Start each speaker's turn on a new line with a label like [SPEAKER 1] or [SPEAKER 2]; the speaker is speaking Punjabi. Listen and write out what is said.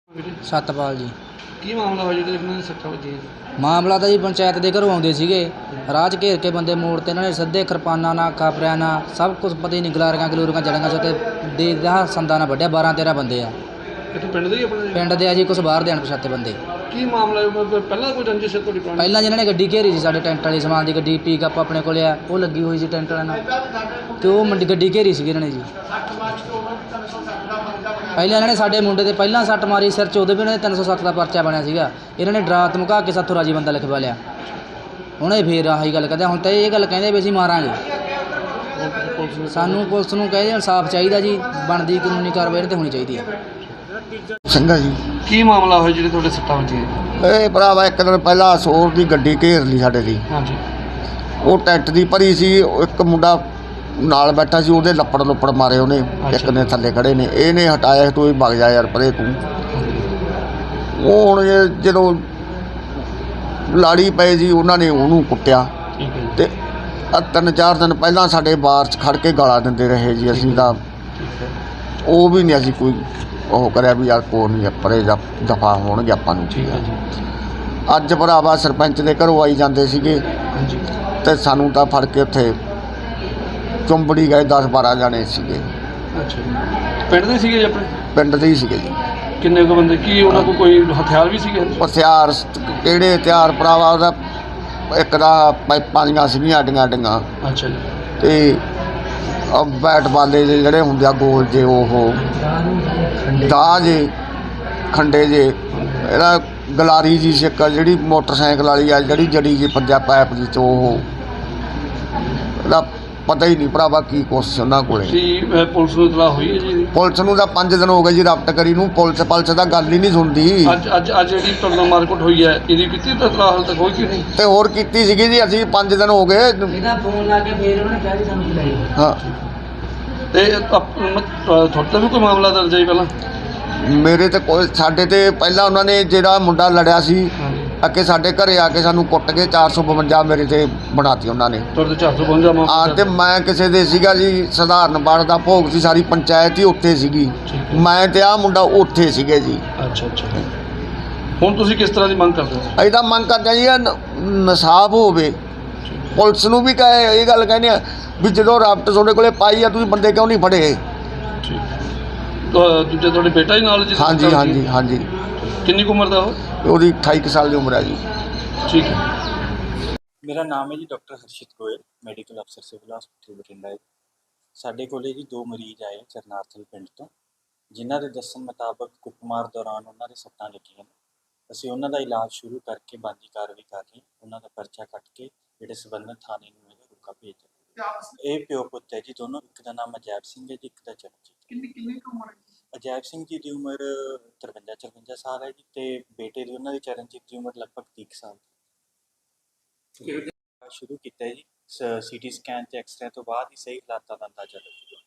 [SPEAKER 1] ਸਤਪਾਲ ਜੀ।
[SPEAKER 2] ਕੀ ਮਾਮਲਾ ਹੋਇਆ ਜਿਹੜੇ ਇਹਨਾਂ ਨੇ ਸੱਟਾਂ ਵੱਜੀਆਂ?
[SPEAKER 1] ਮਾਮਲਾ ਤਾਂ ਜੀ ਪੰਚਾਇਤ ਦੇ ਘਰੋਂ ਆਉਂਦੇ ਸੀਗੇ, ਰਾਹ 'ਚ ਘੇਰ ਕੇ ਬੰਦੇ ਮੋੜ ਤੇ ਇਹਨਾਂ ਨੇ ਸਿੱਧੇ ਕਿਰਪਾਨਾਂ ਨਾਲ, ਖਾਪਰਿਆਂ ਨਾਲ, ਸਭ ਕੁਛ ਪਤਾ ਹੀ ਨਹੀਂ, ਗਲਾਰੀਆਂ ਗਲੂਰੀਆਂ ਜੜੀਆਂ ਸੀ ਤੇ ਦੇ ਸੰਦਾਂ ਨਾਲ ਵੱਢਿਆ। 12-13 ਬੰਦੇ ਆ।
[SPEAKER 2] ਕਿੱਥੋਂ ਪਿੰਡ ਦੇ ਹੀ ਆਪਣੇ?
[SPEAKER 1] ਪਿੰਡ ਦੇ ਆ ਜੀ, ਕੁਛ ਬਾਹਰ ਦੇ ਅਣਪਛਾਤੇ ਬੰਦੇ।
[SPEAKER 2] ਕੀ ਮਾਮਲਾ ਹੈ? ਪਹਿਲਾਂ ਕੋਈ ਰੰਜਿਸ਼ ਹੈ ਤੁਹਾਡੀ ਪੁਰਾਣੀ?
[SPEAKER 1] ਪਹਿਲਾਂ ਜਿਹਨਾਂ ਨੇ ਗੱਡੀ ਘੇਰੀ ਸੀ ਸਾਡੇ ਟੈਂਟ ਵਾਲੀ ਸਮਾਨ ਦੀ ਗੱਡੀ, ਪਿਕਅਪ ਆਪਣੇ ਕੋਲ ਆ, ਉਹ ਲੱਗੀ ਹੋਈ ਸੀ ਟੈਂਟ ਵਾਲਿਆਂ ਨਾਲ, ਤੇ ਉਹ ਗੱਡੀ ਘੇਰੀ ਸੀਗੀ ਇਹਨਾਂ ਨੇ ਜੀ। ਪਹਿਲਾਂ ਇਹਨਾਂ ਨੇ ਸਾਡੇ ਮੁੰਡੇ ਤੇ ਪਹਿਲਾਂ ਸੱਟ ਮਾਰੀ ਸਿਰ 'ਚ, ਉਦੋਂ ਵੀ ਇਹਨਾਂ ਦੇ 307 ਦਾ ਪਰਚਾ ਬਣਿਆ ਸੀਗਾ। ਇਹਨਾਂ ਨੇ ਡਰਾ ਧਮਕਾ ਕੇ ਸਾਥੋਂ ਰਾਜੀ ਬੰਦਾ ਲਿਖਵਾ ਲਿਆ। ਹੁਣ ਇਹ ਫੇਰ ਆਹੀ ਗੱਲ ਕਹਿੰਦੇ, ਹੁਣ ਤਾਂ ਇਹ ਗੱਲ ਕਹਿੰਦੇ ਵੀ ਅਸੀਂ ਮਾਰਾਂਗੇ। ਸਾਨੂੰ ਪੁਲਿਸ ਨੂੰ ਕਹਿੰਦੇ ਇਨਸਾਫ ਚਾਹੀਦਾ ਜੀ, ਬਣਦੀ ਕਾਨੂੰਨੀ ਕਾਰਵਾਈ ਇਹਨਾਂ 'ਤੇ ਹੋਣੀ ਚਾਹੀਦੀ ਹੈ।
[SPEAKER 3] ਸਿੰਘਾ ਜੀ।
[SPEAKER 2] ਕੀ ਮਾਮਲਾ ਹੋਇਆ ਜਿਹੜੇ ਤੁਹਾਡੇ ਸੱਟਾਂ ਵੱਜੀਆਂ?
[SPEAKER 3] ਇਹ ਭਰਾਵਾ ਇੱਕ ਦਿਨ ਪਹਿਲਾਂ ਸੋਰ ਦੀ ਗੱਡੀ ਘੇਰ ਲਈ ਸਾਡੇ ਦੀ।
[SPEAKER 2] ਹਾਂਜੀ।
[SPEAKER 3] ਉਹ ਟੈਂਟ ਦੀ ਭਰੀ ਸੀ, ਇੱਕ ਮੁੰਡਾ ਨਾਲ ਬੈਠਾ ਸੀ, ਉਹਦੇ ਲੱਪੜ ਮਾਰੇ ਉਹਨੇ, ਇੱਕ ਨੇ ਥੱਲੇ ਖੜੇ ਨੇ, ਇਹਨੇ ਹਟਾਇਆ ਤੂੰ ਵਗ ਜਾ ਯਾਰ ਪਰੇ ਤੂੰ। ਉਹ ਹੁਣ ਜਦੋਂ ਲਾੜੀ ਪਏ ਜੀ, ਉਹਨਾਂ ਨੇ ਉਹਨੂੰ ਕੁੱਟਿਆ ਤੇ 3-4 ਦਿਨ ਪਹਿਲਾਂ ਸਾਡੇ ਬਾਰ 'ਚ ਖੜ ਕੇ ਗਾਲਾਂ ਦਿੰਦੇ ਰਹੇ ਜੀ। ਅਸੀਂ ਤਾਂ ਉਹ ਵੀ ਨਹੀਂ ਅਸੀਂ ਕੋਈ ਉਹ ਕਰਿਆ ਵੀ ਯਾਰ ਕੋਈ ਨਹੀਂ ਪਰੇ ਦਫਾ ਹੋਣਗੇ ਆਪਾਂ ਨੂੰ। ਅੱਜ ਭਰਾਵਾ ਸਰਪੰਚ ਦੇ ਘਰੋਂ ਆਈ ਜਾਂਦੇ ਸੀਗੇ ਤੇ ਸਾਨੂੰ ਤਾਂ ਫੜ ਕੇ ਉੱਥੇ ਚੁੰਬੜੀ ਗਏ। 10-12 ਜਾਣੇ ਸੀਗੇ।
[SPEAKER 2] ਅੱਛਾ। ਪਿੰਡ ਦੇ ਸੀਗੇ ਜੀ ਆਪਣੇ? ਪਿੰਡ
[SPEAKER 3] ਦੇ ਹੀ ਸੀਗੇ ਜੀ।
[SPEAKER 2] ਕਿੰਨੇ ਕੁ ਬੰਦੇ? ਕੀ ਉਹਨਾਂ ਕੋਲ ਕੋਈ ਹਥਿਆਰ ਵੀ ਸੀਗੇ?
[SPEAKER 3] ਹਥਿਆਰ ਕਿਹੜੇ ਹਥਿਆਰ ਭਰਾਵਾ? ਉਹਦਾ ਇੱਕ ਦਾ ਪਾਈਪਾਂ ਦੀਆਂ ਸੀਗੀਆਂ ਅੱਡੀਆਂ।
[SPEAKER 2] ਅੱਛਾ ਜੀ।
[SPEAKER 3] ਤੇ ਬੈਟ ਬਾਲੇ ਜਿਹੜੇ ਹੁੰਦੇ ਆ ਗੋਲ ਜੇ, ਉਹ ਦਾਹ ਜੇ, ਖੰਡੇ ਜੇ, ਇਹਦਾ ਗਲਾਰੀ ਜੀ ਸਿੱਕ ਜਿਹੜੀ ਮੋਟਰਸਾਈਕਲ ਵਾਲੀ ਆ, ਜਿਹੜੀ ਜੜੀ ਜੀ ਪੰਜਾ ਪਾਇਪ ਦੀ, ਉਹ ਇਹਦਾ ਪਤਾ ਹੀ ਨਹੀਂ ਭਰਾਵਾ ਕੀ ਕੁਛ ਉਹਨਾਂ ਕੋਲੇ।
[SPEAKER 2] ਪੁਲਿਸ ਨੂੰ ਇਤਲਾਹ ਹੋਈ ਹੈ ਜੀ?
[SPEAKER 3] ਪੁਲਿਸ ਨੂੰ ਤਾਂ 5 ਦਿਨ ਹੋ ਗਏ ਜੀ ਰਾਬਟ ਕਰੀ ਨੂੰ। ਪੁਲਿਸ ਦਾ ਗੱਲ ਹੀ ਨਹੀਂ ਸੁਣਦੀ।
[SPEAKER 2] ਅੱਜ ਜਿਹੜੀ ਤੁਹਾਡਾ ਮਾਰਕੁੱਟ ਹੋਈ ਹੈ, ਇਹਦੀ ਕੀਤੀ ਤਾਂ ਇਤਲਾਹ ਹਾਲ ਤੱਕ ਹੋਈ ਕਿ ਨਹੀਂ?
[SPEAKER 3] ਤੇ ਹੋਰ ਕੀਤੀ ਸੀਗੀ ਜੀ ਅਸੀਂ, 5 ਦਿਨ ਹੋ ਗਏ।
[SPEAKER 1] ਇਹਦਾ ਫੋਨ ਲਾ ਕੇ ਫੇਰ ਉਹਨੇ ਕਿਹਾ ਜੀ ਸਾਨੂੰ ਬੁਲਾਈ।
[SPEAKER 3] ਹਾਂ।
[SPEAKER 2] ਤੇ ਤੁਹਾਡੇ ਤੇ ਵੀ ਕੋਈ ਮਾਮਲਾ ਦਰਜ ਹੈ ਪਹਿਲਾਂ?
[SPEAKER 3] ਮੇਰੇ ਤੇ ਕੋਈ, ਸਾਡੇ ਤੇ ਪਹਿਲਾਂ ਉਹਨਾਂ ਨੇ ਜਿਹੜਾ ਮੁੰਡਾ ਲੜਿਆ ਸੀ ਅੱਗੇ ਸਾਡੇ ਘਰੇ ਆ ਕੇ ਸਾਨੂੰ ਕੁੱਟ ਕੇ 452 ਮੇਰੇ ਤੇ ਬਣਾਤੀ ਉਹਨਾਂ ਨੇ।
[SPEAKER 2] ਤੁਹਾਡੇ 452 ਮਾਮਲਾ?
[SPEAKER 3] ਹਾਂ। ਤੇ ਮੈਂ ਕਿਸੇ ਦੇ ਸੀਗਾ ਜੀ, ਸਧਾਰਨ ਬਾੜ ਦਾ ਭੋਗ ਸੀ, ਸਾਰੀ ਪੰਚਾਇਤ ਹੀ ਉੱਥੇ ਸੀਗੀ, ਮੈਂ ਤੇ ਆਹ ਮੁੰਡਾ ਉੱਥੇ ਸੀਗੇ ਜੀ।
[SPEAKER 2] ਅੱਛਾ। ਹੁਣ ਤੁਸੀਂ ਕਿਸ ਤਰ੍ਹਾਂ ਦੀ ਮੰਗ ਕਰਦੇ ਹੋ?
[SPEAKER 3] ਅਸੀਂ ਤਾਂ ਮੰਗ ਕਰਦੇ ਜੀ ਇਨਸਾਫ ਹੋਵੇ। ਪੁਲਿਸ ਨੂੰ ਵੀ ਇਹ ਗੱਲ ਕਹਿੰਦੇ ਆ ਵੀ ਜਦੋਂ ਰਾਬਟ ਤੁਹਾਡੇ ਕੋਲੇ ਪਾਈ ਆ, ਤੁਸੀਂ ਬੰਦੇ ਕਿਉਂ ਨਹੀਂ ਫੜੇ?
[SPEAKER 2] ਦੂਜੇ ਤੁਹਾਡੇ ਬੇਟਾ ਹੀ ਨਾਲ ਜੀ?
[SPEAKER 3] ਹਾਂਜੀ।
[SPEAKER 2] ਕਿੰਨੀ ਕੁ ਉਮਰ ਦਾ ਉਹ?
[SPEAKER 3] ਉਹਦੀ 28 ਸਾਲ ਦੀ ਉਮਰ ਹੈ ਜੀ।
[SPEAKER 2] ਠੀਕ ਹੈ।
[SPEAKER 4] ਮੇਰਾ ਨਾਮ ਹੈ ਜੀ ਡਾਕਟਰ ਹਰਸ਼ਿਤ ਗੋਇਲ, ਮੈਡੀਕਲ ਅਫਸਰ ਸਿਵਲ ਹਸਪਤਾਲ ਬਠਿੰਡਾ। ਸਾਡੇ ਕੋਲੇ ਜੀ 2 ਮਰੀਜ਼ ਆਏ ਚਰਨਾਰਥਲ ਪਿੰਡ ਤੋਂ, ਜਿਨ੍ਹਾਂ ਦੇ ਦੱਸਣ ਮੁਤਾਬਕ ਕੁੱਟਮਾਰ ਦੌਰਾਨ ਉਹਨਾਂ ਦੇ ਸੱਟਾਂ ਲੱਗੀਆਂ ਨੇ। ਅਸੀਂ ਉਹਨਾਂ ਦਾ ਇਲਾਜ ਸ਼ੁਰੂ ਕਰਕੇ ਬਣਦੀ ਕਾਰਵਾਈ ਕਰ ਰਹੇ। ਉਹਨਾਂ ਦਾ ਪਰਚਾ ਕੱਟ ਕੇ ਜਿਹੜੇ ਸੰਬੰਧਿਤ ਥਾਣੇ ਨੂੰ ਇਹਦਾ ਰੁਕਾ ਭੇਜ ਦਿੱਤਾ। ਇਹ ਪਿਓ ਪੁੱਤ ਹੈ ਜੀ ਦੋਨੋਂ। ਇੱਕ ਦਾ ਨਾਮ ਅਜੈਬ ਸਿੰਘ ਹੈ ਜੀ, ਇੱਕ ਦਾ ਚਰਨਜੀਤ।
[SPEAKER 2] ਕਿੰਨੀ ਕੁ ਉਮਰ ਹੈ?
[SPEAKER 4] ਅਜੈਬ ਸਿੰਘ ਜੀ ਦੀ ਉਮਰ 53-54 ਸਾਲ ਹੈ ਜੀ, ਤੇ ਬੇਟੇ ਦੀ ਉਹਨਾਂ ਦੀ ਚਰਨਜੀਤ ਦੀ ਉਮਰ ਲਗਭਗ 30 ਸਾਲ ਦੀ। ਸ਼ੁਰੂ ਕੀਤਾ ਜੀ, CT ਸਕੈਨ ਤੇ ਐਕਸਰੇ ਤੋਂ ਬਾਅਦ ਹੀ ਸਹੀ ਹਾਲਾਤਾਂ ਦਾ ਅੰਦਾਜ਼ਾ ਲੱਗੇਗਾ।